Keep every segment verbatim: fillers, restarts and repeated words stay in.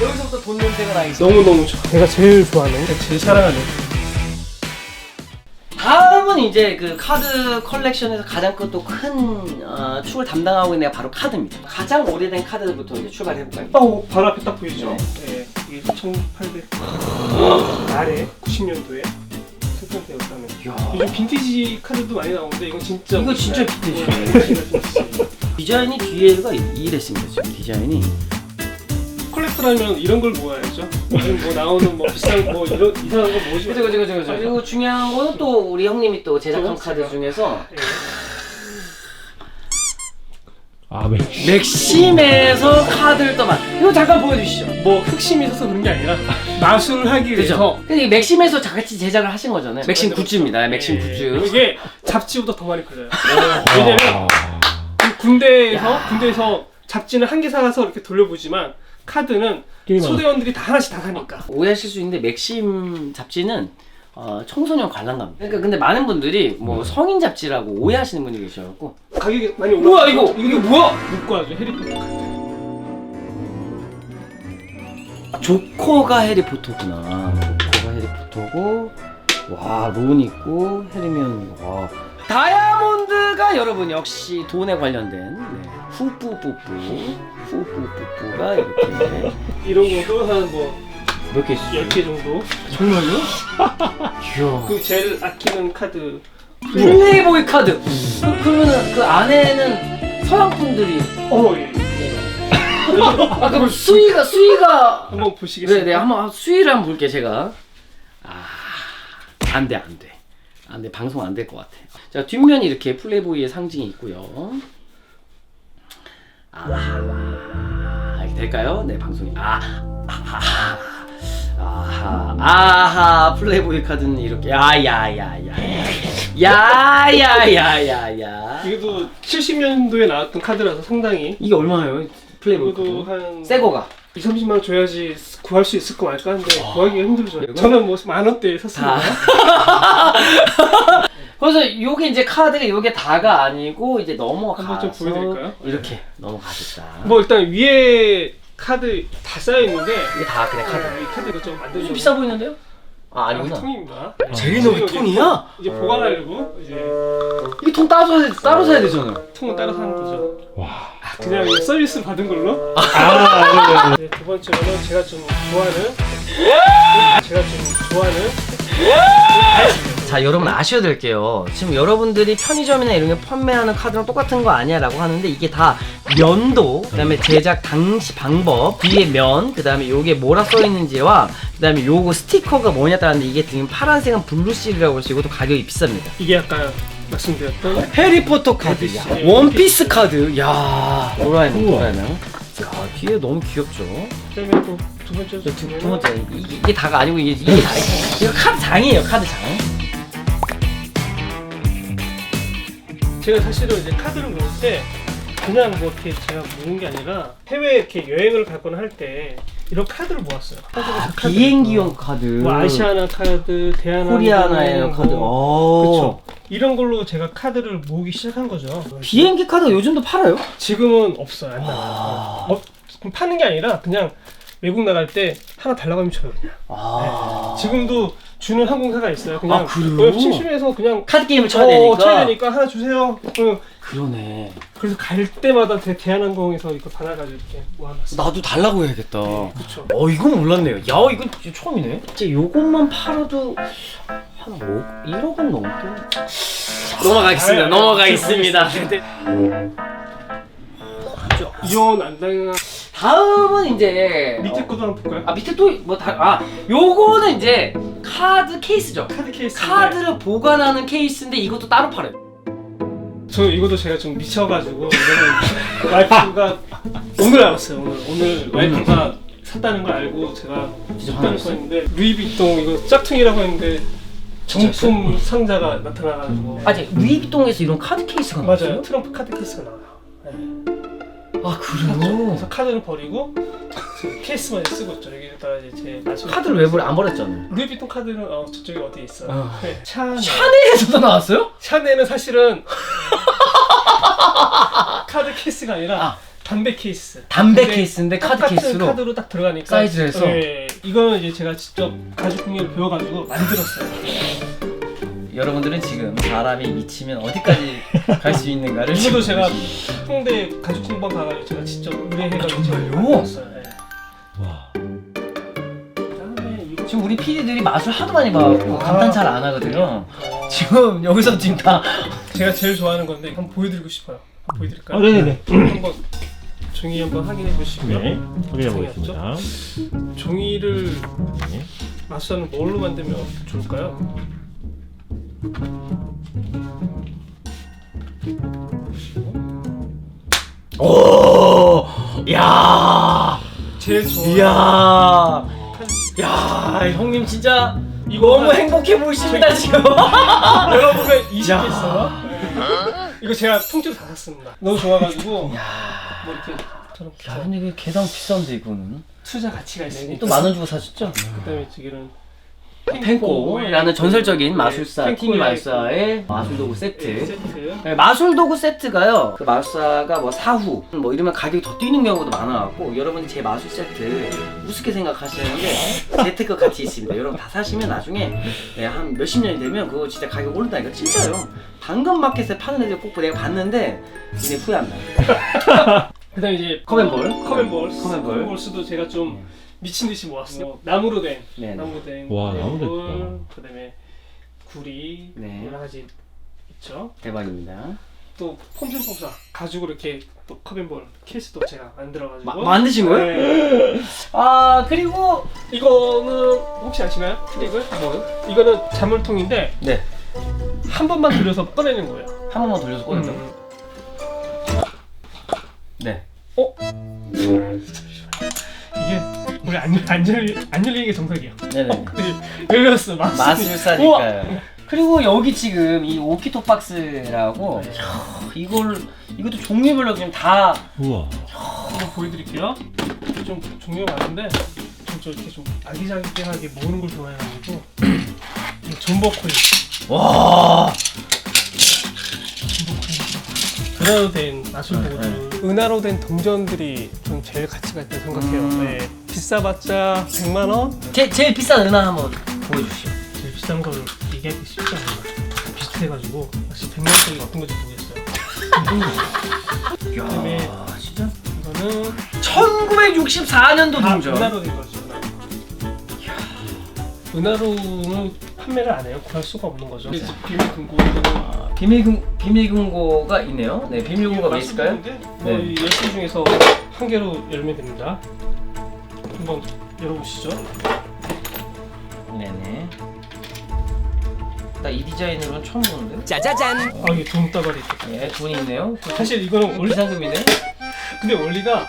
여기서부터 돈 냄새가 나 있어. 너무너무 좋아. 내가 제일 좋아하는, 제일 사랑하는. 다음은 이제 그 카드 컬렉션에서 가장 또 큰 어, 축을 담당하고 있는 애가 바로 카드입니다. 가장 오래된 카드부터 이제 출발해볼까요? 어, 바로 앞에 딱 보이죠? 네. 이게 천팔백 아래 구십 년도에 생산되었다는. 요즘 빈티지 카드도 많이 나오는데 이건 진짜 이거 진짜 빈티지. 디자인이 뒤에가 이랬습니다. 지금 디자인이. 컬렉터라면 이런 걸 모아야죠. 요즘 뭐 나오는 뭐 비싼 뭐 이런 이상한 거 모으지. 그죠 그죠 그죠 그죠. 그리고 중요한 거는 또 우리 형님이 또 제작한 카드 중에서 네. 아, 맥심. 맥심에서 카드를 또 만. 이거 잠깐 보여주시죠. 뭐 흑심이 있어서 그런 게 아니라 마술하기 위해서. 그죠? 근데 이 맥심에서 같이 제작을 하신 거잖아요. 맥심 굿즈입니다. 맥심 굿즈. 이게 잡지보다 더 많이 팔려요. 왜냐면 군대에서 군대에서 잡지는 한 개 사가서 이렇게 돌려보지만 카드는 소대원들이 다 하나씩 다 사니까. 오해하실 수 있는데 맥심 잡지는 어, 청소년 관람갑니다. 그러니까 근데 많은 분들이 뭐 성인 잡지라고 오해하시는 분이 계셔갖고. 가격이 많이 올라. 뭐야 이거? 이게 뭐야? 묶고 하죠. 해리포터 카드. 조커가 해리포터구나. 조커가 해리포터고, 와 론 있고 해리면 와 다이아몬드가 여러분 역시 돈에 관련된 네. 후뿌뿌뿌 후뿌뿌뿌가 이렇게 이런 것도 한 뭐 몇 개 있어요? 열 개 정도. 정말요? 이야. 그 제일 아끼는 카드. 플레이보이 카드. 그, 그러면은 그 안에는 서양 분들이 어 예. 아 그럼 수위가 수위가 한번 보시겠어요? 네네 한번 수위를 한번 볼게 제가. 아 안돼 안돼 안돼 방송 안 될 것 같아. 자 뒷면이 이렇게 플레이보이의 상징이 있고요. 아 이렇게 될까요? 네 방송이 아 아하 아하 아하 플레이보이 카드는 이렇게 야야야야 야야야야야 이것도 칠십 년도에 나왔던 카드라서 상당히. 이게 얼마예요? 플레이보이 이것도 카드? 한 새 거가 이삼십만 원 줘야지 구할 수 있을까 말까 하는데 구하기가 힘들죠. 이거? 저는 뭐 만 원대에 샀습니다. 그래서 요게 이제 카드가 요게 다가 아니고 이제 넘어가서 한번 좀 보여드릴까요? 이렇게 넘어가겠다. 뭐 일단 위에 카드 다 쌓여 있는데 이게 다 그래 카드. 이 카드 이거 좀 만들죠. 좀 비싸 보이는데요? 아 아, 아니구나. 통입니다. 제리노 이제 통이야? 이제 보관하려고 이제 이 통 따로 사야, 따로 사야 되잖아요. 통은 따로 사는 거죠. 와. 그냥 이거 서비스 받은 걸로. 아, 네, 두 번째로는 제가 좀 좋아하는 제가 좀 좋아하는 자 여러분 아셔야 될게요. 지금 여러분들이 편의점이나 이런 게 판매하는 카드랑 똑같은 거 아니야 라고 하는데 이게 다 면도, 그 다음에 제작 당시 방법, 뒤에 면, 그 다음에 요게 뭐라 써있는지와 그 다음에 요거 스티커가 뭐냐 따라는데 이게 지금 파란색은 블루실이라고 해서 이것도 가격이 비쌉니다. 이게 아까 말씀드렸던 해리포터 카드, 야, 원피스 카드, 야 도라에몽 도라에몽. 야 뒤에 너무 귀엽죠. 그다음에 또 두 번째 두, 두 번째 이게, 이게 다가 아니고 이게 이게 다 이거 카드 장이에요 카드 장. 제가 사실은 이제 카드를 모을 때 그냥 뭐 이렇게 제가 모은 게 아니라 해외 이렇게 여행을 가거나 할 때 이런 카드를 모았어요. 아, 비행기용 카드. 뭐 아시아나 카드, 대한항공, 코리아나의 카드. 그렇죠. 이런 걸로 제가 카드를 모으기 시작한 거죠. 비행기 카드가 요즘도 팔아요? 지금은 없어요. 안 나와요. 아. 어, 그럼 파는 게 아니라 그냥 외국 나갈 때 하나 달라고 하면 줘요 그냥. 아. 네. 지금도 주는 항공사가 있어요. 그냥 아, 그래요? 어, 심심해서 그냥 카드 게임을 쳐야 어, 되니까. 쳐야 되니까 하나 주세요. 응. 그러네. 그래서 갈 때마다 대, 대한항공에서 이거 받아가지고 이렇게 모아놨어요. 나도 달라고 해야겠다. 그쵸. 어 이건 몰랐네요. 야 이건 진짜 처음이네. 진짜 요것만 팔아도 한 뭐 일억은 넘게. 넘어가겠습니다. 아, 넘어가겠습니다. 이혼 안 당한 다음은 이제 밑에 어, 것도 한번 볼까요? 아 밑에 또 뭐 다 아 요거는 이제 카드 케이스죠. 카드 케이스. 카드를 보관하는 케이스인데 이것도 따로 팔아요. 저 이것도 제가 좀 미쳐가지고 이거는 와이프가 오늘 알았어요. 오늘 오늘 와이프가 샀다는 걸 알고 제가 샀다는 거 했는데 루이비통 이거 짝퉁이라고 했는데 정품 상자가 나타나가지고. 아니 루이비통에서 이런 카드 케이스가 맞아요. 나왔어요? 트럼프 카드 케이스가 나와요. 네. 아 그래요? 그래서 카드를 버리고 케이스만 쓰고 있죠. 여기다가 이제 제 마술 카드를 왜 버려? 안 버렸잖아요. 루이비통 카드는 어, 저쪽에 어디에 있어요. 어. 네. 샤넬. 샤넬에서도 나왔어요? 샤넬은 사실은 카드 케이스가 아니라 아. 담배 케이스. 담배 근데 케이스인데 카드 똑같은 케이스로 카드로 딱 들어가니까 사이즈를 해서? 네, 이거는 이제 제가 직접 가죽 공예를 배워가지고 만들었어요. 여러분들은 지금 사람이 미치면 어디까지 갈 수 있는가를 이것도 지금 제가 보시는 홍대 가죽 공방 가가지고 제가 직접 의뢰해가지고 정말요? 만들었어요. 네. 와. 그다음에 이거 지금 우리 피디들이 마술 하도 많이 봐갖고 아. 감탄 잘 안 하거든요. 지금 여기서 지금 다 제가 제일 좋아하는 건데 한번 보여드리고 싶어요. 한번 보여드릴까요? 아, 네네네. 한번 종이 한번 확인해 보시고요. 네. 확인해 보겠습니다. 종이를 네. 마술사는 뭘로 만들면 좋을까요? 오, 야, 제일 좋아하는 이야, 칸- 야, 형님 진짜 이거 너무 한- 행복해 보이십니다 지금. 내가 보면 이십 개 야. 있어. 이거 제가 통째로 다 샀습니다. 너무 좋아가지고 야, 뭐 이렇게 저런 야, 근데 이게 개당 비싼데 이거는 투자 가치가 있으니까. 또 만 원 주고 사셨죠? 그다음에 지금은 펜코라는 전설적인 마술사 펜코의 티니 마술사의 마술 도구 네, 세트. 세트. 네, 마술 도구 세트가요. 그 마술사가 뭐 사후 뭐 이러면 가격이 더 뛰는 경우도 많아갖고 여러분이 제 마술 세트 우습게 생각하시는데 재테크 가치 있습니다. 여러분 다 사시면 나중에 네, 한 몇십 년이 되면 그거 진짜 가격 오른다니까 진짜요. 당근 마켓에 파는 애들 꼭 내가 봤는데 이제 후회 안 나요. 그다음에 이제 컵앤볼, 컵앤볼, 컵앤볼. 컵앤볼스도 제가 좀 미친 듯이 모았어요. 나무로 된, 네. 나무로 된 와, 나무로 컵앤볼, 그다음에 구리 네. 여러 가지 있죠. 대박입니다. 또 폼생폼사 가죽으로 이렇게 또 컵앤볼 케이스도 제가 만들어가지고 마- 만드신 거예요? 네. 아 그리고 이거는 혹시 아시나요? 트릭을? 뭐요? 이거는 자물통인데 네, 한 번만 돌려서 꺼내는 거예요. 한 번만 돌려서 꺼낸다. 고 음. 네. 어? 이게 우리 안, 안, 열리, 안 열리는 게 정석이야. 네네. 열렸어. 마술. 우와! 마술사니까요. 그리고 여기 지금 이 오키토 박스라고 네. 야, 이걸 이것도 종류별로 그냥 다 우와. 한번 보여드릴게요. 좀 종류가 많은데 좀 저 이렇게 좀 아기자기하게 모으는 걸 좋아해가지고 이 존버 코인, 와. 은하로 된 마술 도구들, 은하로 된 동전들이 좀 제일 가치가 있다고 생각해요. 음. 네. 비싸봤자 백만 원? 제 제일 비싼 은하 한번 보여주시죠. 제일 비싼 걸 얘기하기 쉽지 않아요. 다 비슷해가지고 혹시 백만 원짜리 어떤 건지 모르겠어요. 그다음에 야, 진짜 이거는 천구백육십사 년도 다 동전. 은하로 된 거죠. 은하로. 은하로는 판매를 안 해요. 구할 수가 없는 거죠. 이제 비밀 금고 이거는 아, 비밀 금 비밀 금고가 있네요. 네, 비밀 금고가 뭐 있을까요? 뭐 네. 이 열 개 중에서 한 개로 열면 됩니다. 한번 열어보시죠. 네네. 나 이 디자인으로는 처음 보는데요. 아 이게 돈다발이 있다. 네, 돈이 있네요. 사실 이거는 원래 비상금이네. 근데 원리가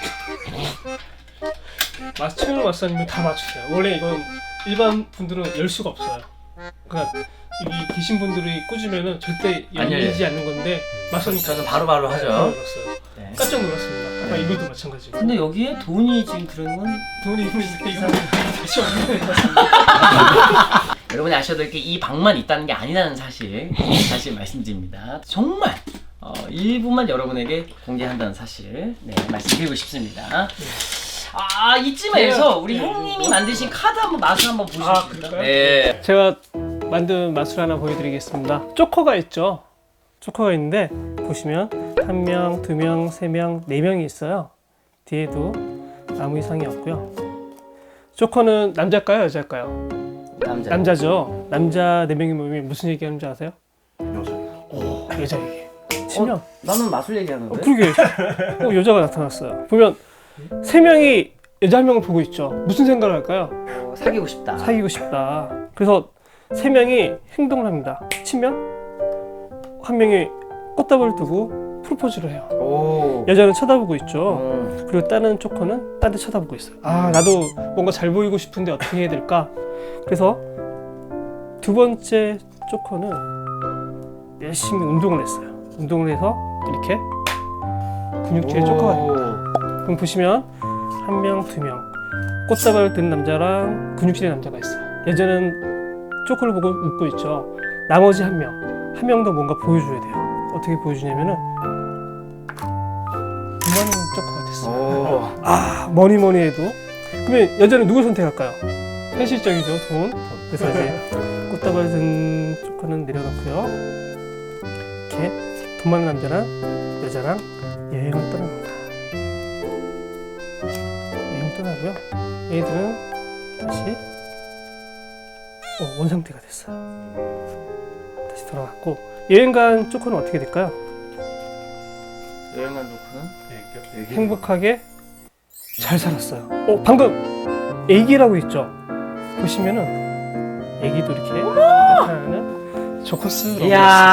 맞춤형 마사님은 다 맞추세요. 원래 이건 일반 분들은 열 수가 없어요. 그러니까 여기 계신 분들이 꽂으면은 절대 안 열리지 않는 건데 마사님 저는 바로바로 하죠. 열었어요. 네. 깜짝 놀랐습니다. 아까 네. 이것도 마찬가지고. 근데 여기에 돈이 지금 들어있는 건 돈이 있는데 이거 다시 없는 것 같습니다. 여러분이 아셔야 될 게 이 방만 있다는 게 아니라는 사실 다시 말씀드립니다. 정말 어, 일부만 여러분에게 공개한다는 사실 네, 말씀드리고 싶습니다. 아 이쯤에서 우리 네, 형님이 네. 만드신 카드 한번 맛을 한번 보실 아, 수 있을까요? 그럴까요? 네. 제가 만든 마술 하나 보여드리겠습니다. 조커가 있죠. 조커가 있는데 보시면 한 명, 두 명, 세 명, 네 명이 있어요. 뒤에도 아무 이상이 없고요. 조커는 남자일까요, 여자일까요? 남자. 남자죠. 남자 네 명이 모이면 무슨 얘기하는지 아세요? 여자. 오, 여자 얘기. 치명. 어, 나는 마술 얘기하는데. 어, 그러게. 어, 여자가 나타났어요. 보면 세 명이 여자 한 명을 보고 있죠. 무슨 생각을 할까요? 어, 사귀고 싶다. 사귀고 싶다. 그래서 세 명이 행동을 합니다. 치면 한 명이 꽃다발을 두고 프로포즈를 해요. 오. 여자는 쳐다보고 있죠. 어. 그리고 다른 조커는 딴 데 쳐다보고 있어요. 아, 나도 뭔가 잘 보이고 싶은데 어떻게 해야 될까? 그래서 두 번째 조커는 열심히 운동을 했어요. 운동을 해서 이렇게 근육질 조커가 됩니다. 그럼 보시면 한 명, 두 명 꽃다발을 든 남자랑 근육질의 남자가 있어요. 여자는 조커를 보고 웃고 있죠. 나머지 한 명, 한 명 더 뭔가 보여줘야 돼요. 어떻게 보여주냐면은 두 만 원 있어요. 오. 아 뭐니 뭐니 해도 그러면 여자는 누굴 선택할까요? 현실적이죠, 돈. 그래서 이제 꽃다발 든 조건은 내려놓고요. 이렇게 돈 많은 남자랑 여자랑 여행을 떠납니다. 여행 떠나고요. 얘들은 다시 어, 원상태가 됐어요. 다시 돌아왔고 여행 간 조건은 어떻게 될까요? 여행 간 조건은 행복하게 잘 살았어요. 어, 방금 애기라고 있죠? 보시면은 애기도 이렇게 나타나는 조커스라고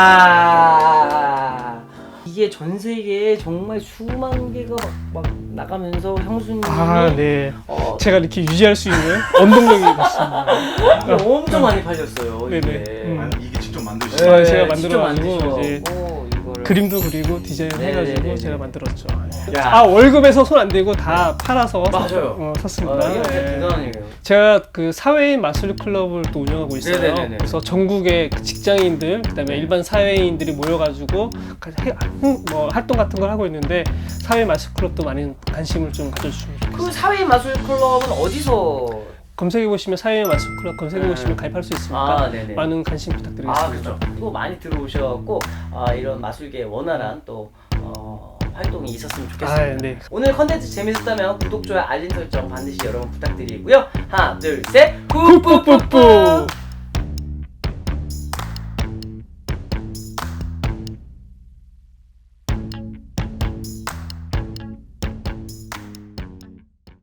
이야 이게 전 세계에 정말 수만 개가 막, 막 나가면서 형수님이 아, 네. 어, 제가 이렇게 유지할 수 있는 원동력이 같습니다. 이게 엄청 많이 팔렸어요. 네네. 이게. 음. 아니, 이게 직접 만드신 네, 거예요? 제가 직접 만들어가지고 이제 만드셔갖고 이거를. 그림도 그리고 디자인 해가지고 네네네네. 제가 만들었죠. 야. 아, 월급에서 손 안 대고 다 팔아서 맞아요. 어, 아, 샀습니다. 이게 네. 대단한 일이에요. 제가 그 사회인 마술 클럽을 또 운영하고 있어요. 네네네네. 그래서 전국의 그 직장인들, 그다음에 네. 일반 사회인들이 모여가지고 가- 해- 음, 뭐 활동 같은 걸 하고 있는데 사회 마술 클럽도 많은 관심을 좀 가져주시면 좋겠어요. 그 사회 마술 클럽은 어디서? 검색해 보시면 사회 마술 클럽 검색해 보시면 네. 가입할 수 있으니까 아, 네네. 많은 관심 부탁드리겠습니다. 아, 그렇죠. 또 많이 들어오셔갖고 아, 이런 마술계에 원활한 또 어, 활동이 있었으면 좋겠습니다. 아, 네. 오늘 컨텐츠 재밌었다면 구독, 좋아요, 알림 설정 반드시 여러분 부탁드리고요. 하나, 둘, 셋, 뿌뿌뿌뿌!